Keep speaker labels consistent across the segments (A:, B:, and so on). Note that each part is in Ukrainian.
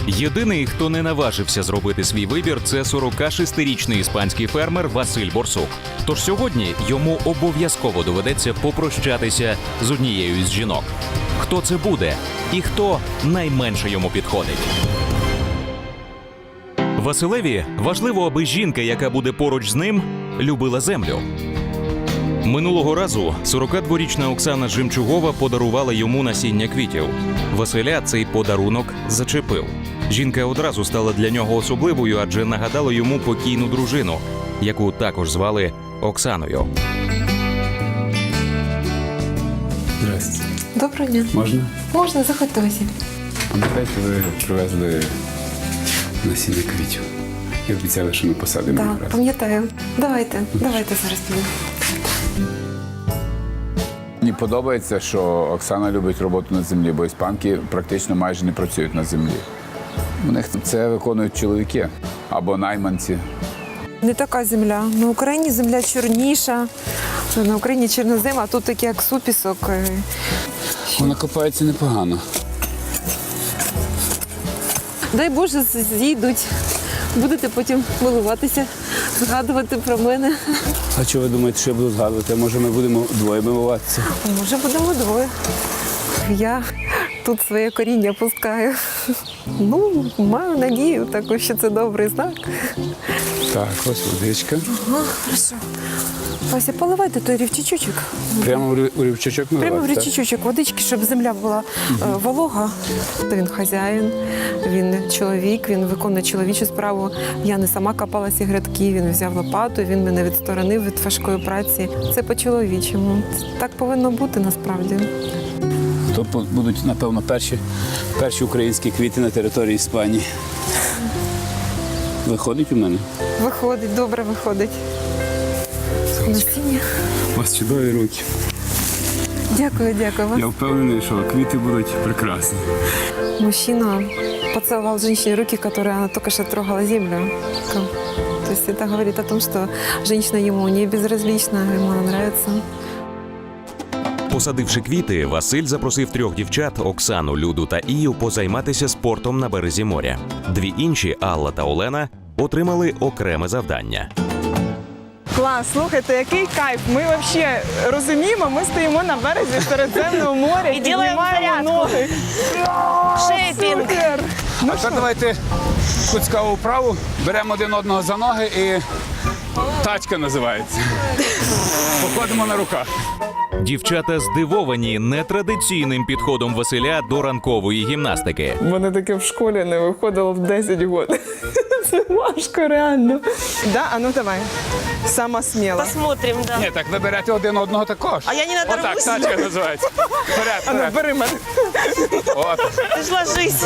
A: Єдиний, хто не наважився зробити свій вибір, це 46-річний іспанський фермер Василь Борсук. Тож сьогодні йому обов'язково доведеться попрощатися з однією із жінок. Хто це буде і хто найменше йому підходить? Василеві важливо, аби жінка, яка буде поруч з ним, любила землю. Минулого разу 42-річна Оксана Жемчугова подарувала йому насіння квітів. Василя цей подарунок зачепив. Жінка одразу стала для нього особливою, адже нагадала йому покійну дружину, яку також звали Оксаною.
B: Здрасте.
C: Доброго дня.
B: Можна?
C: Можна, заходьте, Василь.
B: Пам'ятаєте, ви привезли насіння квітів і обіцяли, що ми посадимо
C: Так,
B: якраз.
C: пам'ятаю. Давайте зараз підемо.
B: Мені подобається, що Оксана любить роботу на землі, бо іспанки практично майже не працюють на землі. У них це виконують чоловіки або найманці.
C: Не така земля. На Україні земля чорніша, на Україні чорнозем, а тут такий як супісок.
B: Вона копається непогано.
C: Дай Боже, зійдуть. Будете потім милуватися, згадувати про мене.
B: А що ви думаєте, що я буду згадувати? Може, ми будемо двоє милуватися?
C: Може, будемо двоє. Я тут своє коріння пускаю. Ну, маю надію таку, що це добрий знак.
B: Так, ось водичка.
C: Ага, хорошо. Вася, поливайте той рівчачочок.
B: Прямо у рівчачок
C: Прямо в
B: наливати, так?
C: річечок водички, щоб земля була волога. Він хазяїн, він чоловік, він виконує чоловічу справу. Я не сама копала ці грядки, він взяв лопату, він мене відсторонив від важкої праці. Це по-чоловічому. Так повинно бути насправді.
B: То будуть, напевно, перші українські квіти на території Іспанії. Виходить у мене?
C: Виходить, добре виходить. Насіння.
B: У вас чудові руки.
C: Дякую, дякую вам.
B: Я впевнений, що квіти будуть прекрасні.
C: Мужчина поцеловал женщине руки, которые она только что трогала землю. То есть это говорит о том, что женщина ему не безразлична, ему она нравится.
A: Посадивши квіти, Василь запросив 3 дівчат – Оксану, Люду та Ію – позайматися спортом на березі моря. 2 інші – Алла та Олена – отримали окреме завдання.
D: Клас, слухайте, який кайф. Ми взагалі розуміємо, ми стоїмо на березі Середземного моря і піднімаємо ноги.
E: Шейпінг.
D: Супер!
B: А тепер давайте куцькову вправу, беремо один одного за ноги і тачка називається. Походимо на руках.
A: Дівчата здивовані нетрадиційним підходом Василя до ранкової гімнастики.
D: У мене таке в школі не виходило в 10 років. Це важко, реально. Да? А ну давай. Сама сміла.
E: Посмотрим, да.
B: Ні, так ви берете один одного також.
E: А я не надорвусь?
B: Отак, тачка називається. Вперед,
D: А ну,
B: вперед.
D: бери мене.
B: От.
E: Ты ж ложись.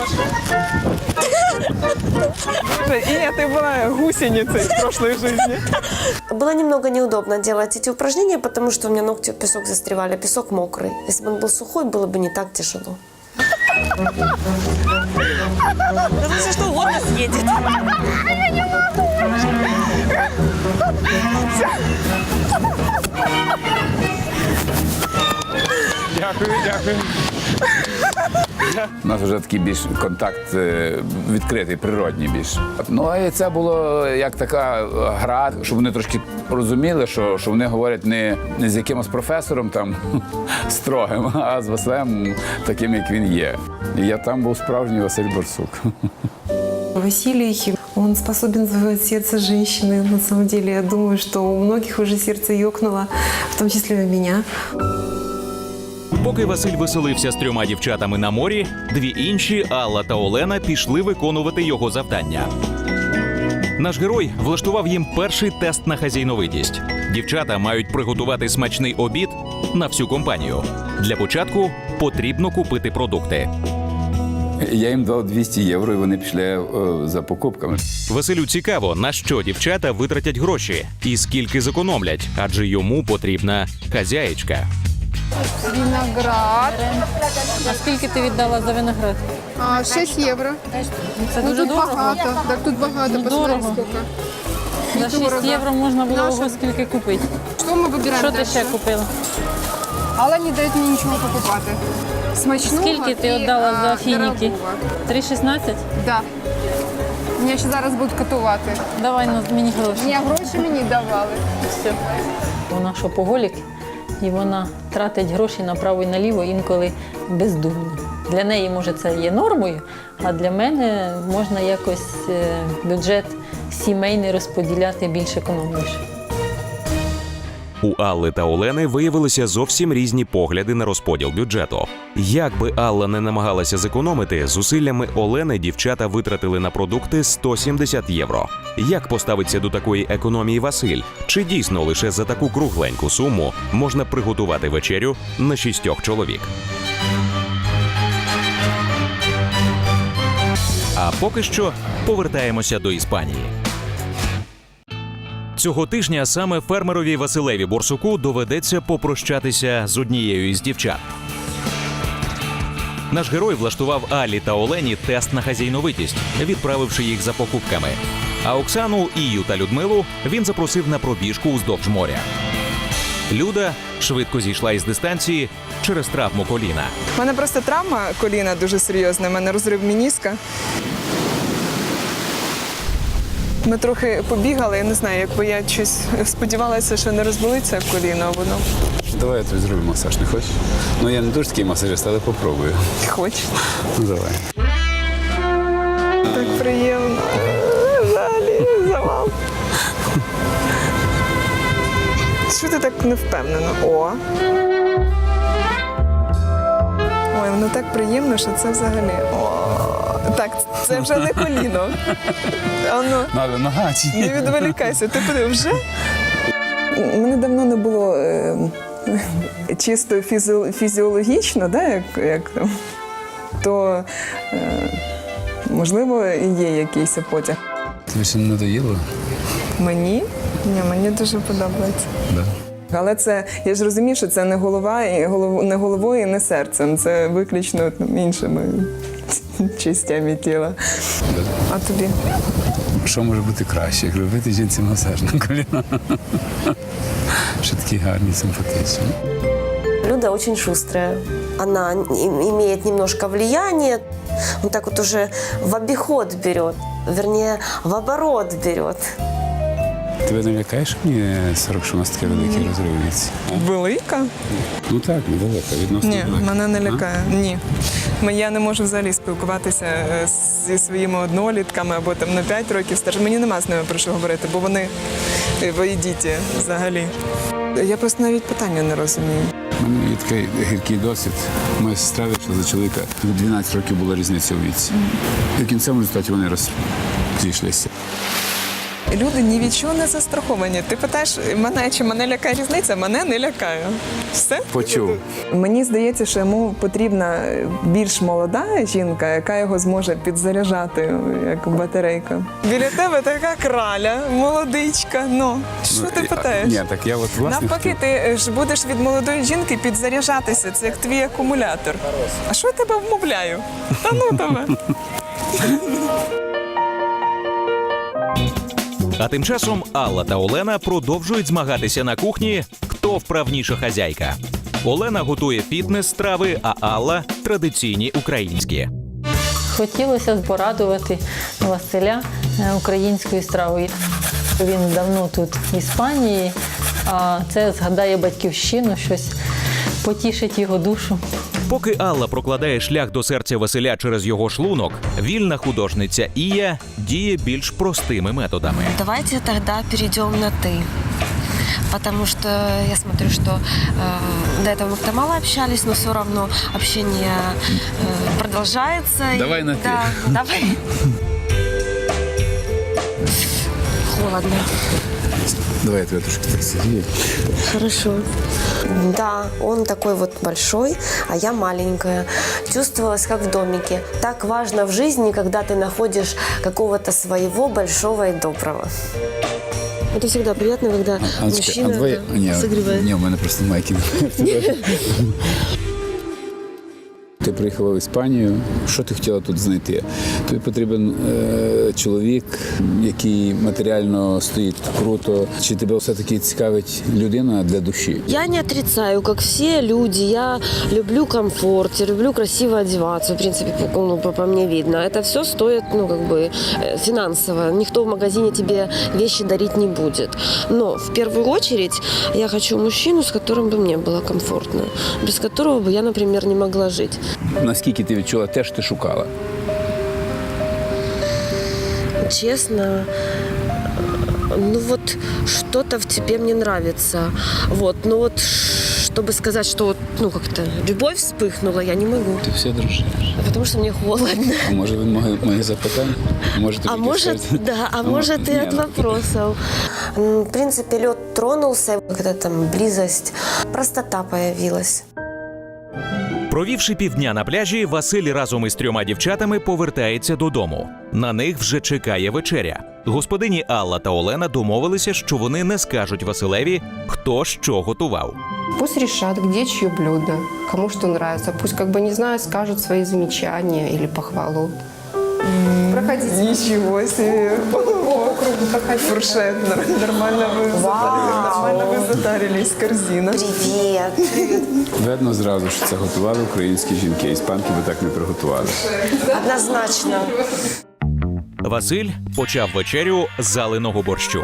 D: Іня, ти була гусеницей в прошлой жизни.
E: Было немного неудобно делать эти упражнения, потому что у меня ногти в песок застревали. Песок мокрый. Если бы он был сухой, было бы не так тяжело. Да все что угодно съедет.
B: Дякую, дякую. У нас вже такий більш контакт відкритий, природній більш. Ну, і це було як така гра, щоб вони трошки розуміли, що вони говорять не з якимось професором там строгим, а з Василем таким, як він є. І я там був справжній Василь Борсук.
C: Василий, он способен завоевать сердце женщины. На самом деле, я думаю, что у многих уже сердце ёкнуло, в том числе и у меня.
A: Поки Василь веселився з 3 дівчатами на морі, 2 інші – Алла та Олена – пішли виконувати його завдання. Наш герой влаштував їм перший тест на хазяйновитість. Дівчата мають приготувати смачний обід на всю компанію. Для початку потрібно купити продукти.
B: Я їм дав 200 євро, і вони пішли за покупками.
A: Василю цікаво, на що дівчата витратять гроші і скільки зекономлять, адже йому потрібна хазяєчка.
F: Виноград.
G: А скільки ти віддала за виноград?
F: 6 євро.
G: Це
F: Ну,
G: дуже
F: тут
G: дорого.
F: багато. Так, тут багато. Посмотри,
G: Дорого.
F: скільки.
G: За 6
F: Дорого.
G: євро можна було
F: Наша-
G: ого скільки купити.
F: Що ми вибираємо
G: Що ти
F: дальше?
G: ще купила?
F: Але не дають мені нічого покупати. Смачного
G: Скільки ти
F: і,
G: віддала за фініки?
F: дорогого.
G: 3,16?
F: Да. Мене ще зараз будуть катувати.
G: Давай мені гроші.
F: Ні, гроші мені давали.
G: Все. Вона шопоголік, і вона тратить гроші направо і наліво інколи бездумно. Для неї, може, це є нормою, а для мене можна якось бюджет сімейний розподіляти більш економніше.
A: У Алли та Олени виявилися зовсім різні погляди на розподіл бюджету. Як би Алла не намагалася зекономити, зусиллями Олени дівчата витратили на продукти 170 євро. Як поставиться до такої економії Василь? Чи дійсно лише за таку кругленьку суму можна приготувати вечерю на 6 чоловік? А поки що повертаємося до Іспанії. Цього тижня саме фермерові Василеві Борсуку доведеться попрощатися з однією із дівчат. Наш герой влаштував Аллі та Олені тест на хазяйновитість, відправивши їх за покупками. А Оксану, Ію та Людмилу він запросив на пробіжку уздовж моря. Люда швидко зійшла із дистанції через травму коліна.
D: У мене просто травма коліна дуже серйозна, у мене розрив меніска. Ми трохи побігали, я не знаю, якби я щось сподівалася, що не розболиться коліно, а воно
B: Давай я тобі зроблю масаж, не хочеш? Ну я не дуже такий масажист, але попробую.
D: хоче.
B: Ну давай.
D: Так приємно. Взагалі, завал. Що ти так невпевнено? О. Ой, воно так приємно, що це взагалі. О. Так, це вже не коліно. Ану,
B: Надо нога чи ні?
D: не відволікайся. Ти подив вже? Мене давно не було чисто фізіологічно, да, як там, то можливо і є якийсь потяг.
B: Тобі ще не надоїло?
D: Мені? Ні, мені дуже подобається.
B: Да.
D: Але це, я ж розумію, що це не голова, і не головою, і не серцем. Це виключно іншими частями тіла.
B: Да.
D: А тобі?
B: Що може бути краще, як робити жінці масаж на коліна? Що такі гарні, симпатичні.
E: Люда очень шустрая. Она имеет немножко влияния. Он так вот уже в обиход берет, вернее, в оборот берет.
B: Тебе не лякає, що мені 40, що у нас таке великий розрив віці?
D: Велика?
B: Ну так, недалеко, відносно
D: Ні,
B: далеко.
D: мене не
B: А?
D: лякає. Ні. Я не можу взагалі спілкуватися зі своїми однолітками або там на 5 років старше. Мені нема з ними про що говорити, бо вони воєдіті взагалі. Я просто навіть питання не розумію.
B: У мене є такий гіркий досвід. Моя сестра вийшла за чоловіка. 12 років була різниця у віці. І в кінцевому результаті вони розійшлися.
D: Люди ні від чого не застраховані. Ти питаєш мене, чи мене лякає різниця? Мене не лякає. Все?
B: Почув.
D: Мені здається, що йому потрібна більш молода жінка, яка його зможе підзаряджати, як батарейка. Біля тебе така краля, молодичка. Ну, що ти питаєш?
B: Ні, так я от власне...
D: Навпаки, ти ж будеш від молодої жінки підзаряджатися. Це як твій акумулятор. А що я тебе вмовляю? Та ну тебе.
A: А тим часом Алла та Олена продовжують змагатися на кухні, хто вправніша хазяйка. Олена готує фітнес-страви, а Алла – традиційні українські.
G: Хотілося б порадувати Василя українською стравою. Він давно тут в Іспанії, а це згадає батьківщину, щось потішить його душу.
A: Поки Алла прокладає шлях до серця Василя через його шлунок, вільна художниця Ія діє більш простими методами.
E: Давайте тогда перейдем на «ты». Потому что я смотрю, что до этого мы как-то мало общались, но все равно общение продолжается.
B: Давай на «ты».
E: Да, давай. Холодно.
B: Давай я тебе трошки так сидію.
E: Хорошо. Да, он такой вот большой, а я маленькая. Чувствовалась как в домике. Так важно в жизни, когда ты находишь какого-то своего большого и доброго. Это всегда приятно, когда мужчина согревает.
B: Ні, у мене просто майки. Ти приїхала в Іспанію, що ти хотіла тут знайти? Тобі потрібен чоловік, який матеріально стоїть круто. Чи тебе все-таки цікавить людина для душі?
E: Я не отрицаю, как все люди, я люблю комфорт, я люблю красиво одеваться, в принципе, по мне видно. Это все стоит, финансово. Никто в магазине тебе вещи дарить не будет. Но в первую очередь я хочу мужчину, с которым бы мне было комфортно, без которого бы я, например, не могла жить.
B: Наскільки ти відчула те, що ти шукала?
E: Честно, что-то в тебе мне нравится. Чтобы сказать, что как-то любовь вспыхнула, я не могу.
B: Ти все дружиш.
E: Потому что мне холодно.
B: А може він мої запитання? Може, тобі
E: Может и от вопросов. В принципе, лед тронулся, когда там близость, простота появилась.
A: Провівши півдня на пляжі, Василь разом із 3 дівчатами повертається додому. На них вже чекає вечеря. Господині Алла та Олена домовилися, що вони не скажуть Василеві, хто що готував.
H: Пусть решат, где чье блюдо, кому что нравится. Пусть, не знаю, скажут свои замечания или похвалу.
F: Проходите.
D: Нічого собі.
F: По кругу проходите.
D: Фуршет. Нормально ви затарились. Корзина.
E: Привет.
B: Видно зразу, що це готували українські жінки. Іспанки би так не приготували.
E: Однозначно.
A: Василь почав вечерю з залиного борщу.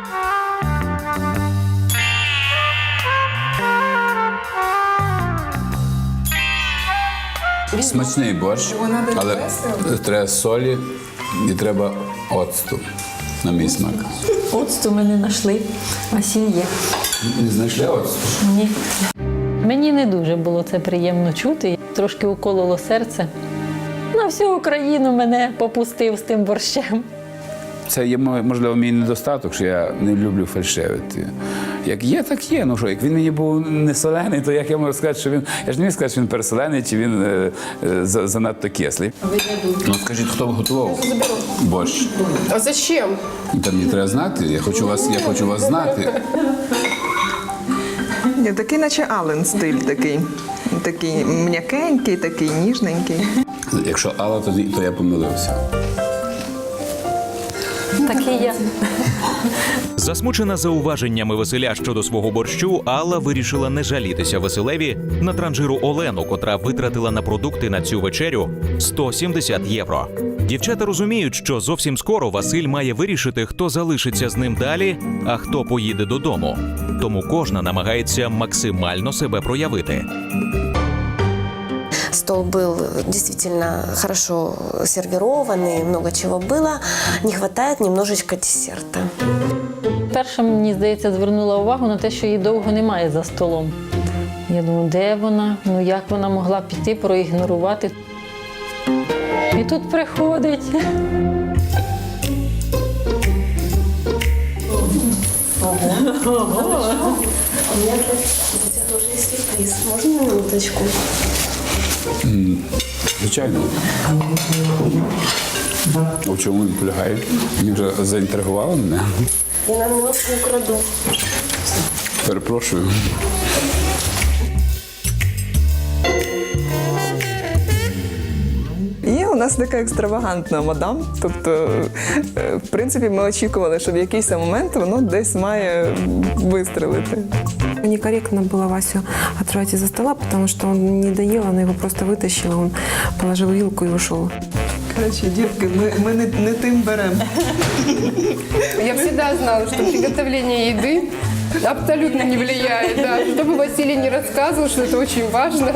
B: Смачний борщ, але треба солі і треба оцту, на мій смак.
G: Оцту ми не знайшли, а сіль є.
B: Не знайшли оцту?
G: Ні. Мені не дуже було це приємно чути. Трошки укололо серце. На всю Україну мене попустив з тим борщем.
B: Це є, можливо, мій недостаток, що я не люблю фальшивити. Як є, так є. Ну що, як він мені був не солений, то як я можу сказати, що він... Я ж не міг сказати, що він пересолений, чи він занадто кислий. Ну, скажіть, хто готував борщ?
H: А зачем?
B: Та мені треба знати, я хочу вас знати.
D: Ні, такий, наче Ален стиль такий. Такий м'якенький, такий ніжненький.
B: Якщо Алла, то я помилився.
G: Такий я.
A: Засмучена зауваженнями Василя щодо свого борщу, Алла вирішила не жалітися Василеві на транжиру Олену, котра витратила на продукти на цю вечерю 170 євро. Дівчата розуміють, що зовсім скоро Василь має вирішити, хто залишиться з ним далі, а хто поїде додому. Тому кожна намагається максимально себе проявити.
E: Стол был действительно хорошо сервированный, много чего было. Не хватает немножечко десерта.
G: Перша, мені здається, звернула увагу на те, що її довго немає за столом. Я думаю, де вона? Ну як вона могла піти, проігнорувати? І тут приходить.
E: У меня тоже есть сюрприз. Можно минуточку?
B: Звичайно. А в чому він полягає? Він вже заінтригував мене.
E: Я на минутку украду.
B: Перепрошую.
D: Є у нас така екстравагантна мадам. Тобто, в принципі, ми очікували, що в якийсь момент воно десь має вистрелити.
C: Некорректно было Васю отрывать из-за стола, потому что он не доел, она его просто вытащила, он положил вилку и ушел.
D: Коротше, дітки, ми не тим беремо.
F: Я всегда знала, что приготовление еды абсолютно не влияет. Да. Что бы Василий не рассказывал, что это очень важно.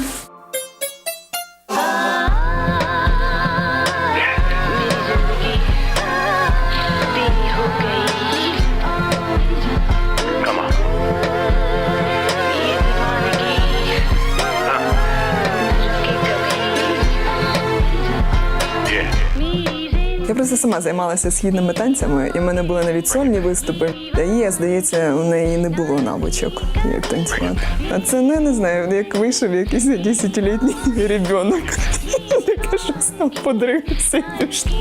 D: Я просто сама займалася східними танцями, і в мене були навіть сольні виступи. Та її, здається, у неї не було навичок, як танцювати. А це не знаю, як вийшов якийсь 10-літній ребенок. Таке щось там подрився і пішло.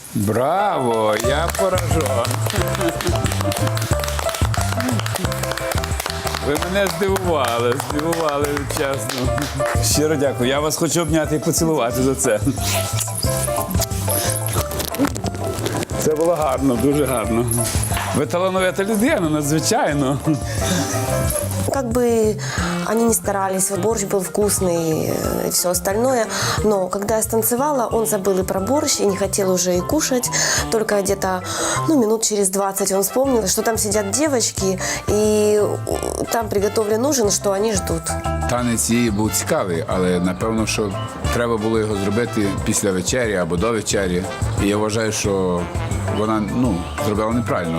B: Браво! Я поражен. Ви мене здивували, чесно. Щиро дякую. Я вас хочу обняти і поцілувати за це. Це було гарно, дуже гарно. Ви талановита людина, надзвичайно.
E: Как бы они ни старались, вот борщ был вкусный и все остальное, но когда я станцевала, он забыл и про борщ, и не хотел уже и кушать. Только где-то минут через 20 он вспомнил, что там сидят девочки, и там приготовлен ужин, что они ждут.
B: Танець її був цікавий, але напевно, що треба було його зробити після вечері або до вечері. І я вважаю, що вона зробила неправильно.